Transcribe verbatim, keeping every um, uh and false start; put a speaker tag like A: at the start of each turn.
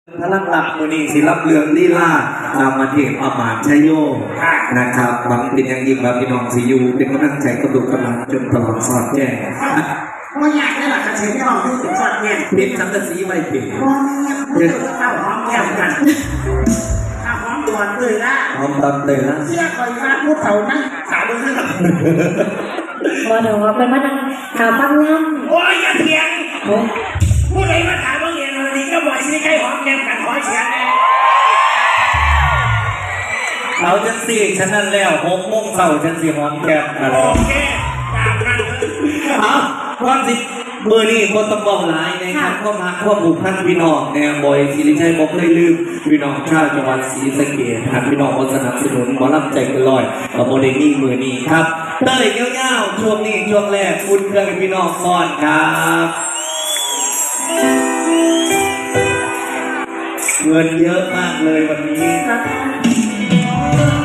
A: พลังหลักมือนีศิลปเรืองลีลานำมาเทศอามาตย์ชัยโยนะครับหวังเป็นอย่างยิ่งว่าพี่น้องสิยูเป็นกำลังใจกระตุกกำลังจนตลอดสอดแจ้ง
B: ว่าอยากได้หลักเสียงที่เราพูดถึงสอดเนี่ย
A: เพ็นสังกะสีไว้เพ็น
B: เพื่อเข้าหอมแก้มกันข้าหอมตอนเลยนะ
A: หอมตอนเลยนะ
B: เชื่อคอยว่าพูดเขานั่งสาวเรื่อง
C: พอเดี๋ยวเป็นมาดังข่าวฟังงั้น
B: โอ้ยอย่าเถียงผู้ใดมาถามว่าเรียนอะไรก็บอกสิใครหอมแก้มกันขอเสียงแน่
A: เอาจังสี่ฉันนั่นแล้วหกโมงเช้าฉันสี่หอมแก้มกัน
B: โอเคตามนั้น
A: เอาความสิเมื่อนี้คนต้องบอกหลายนะครับก็มาควบผูกพันพี่น้องแนวบอยศิริชัยบอกเคยลืมพี่น้องชาวจังหวัดศรีสะเกษหากพี่น้องคนสนับสนุนหมอลำใจเกินร้อยกับโมเดลนี่มือนี้ครับเต้ยเงี้ยวๆช่วงนี้ช่วงแรกคุณเครื่องพี่น้องก่อนครับเงินเยอะมากเลยวันนี้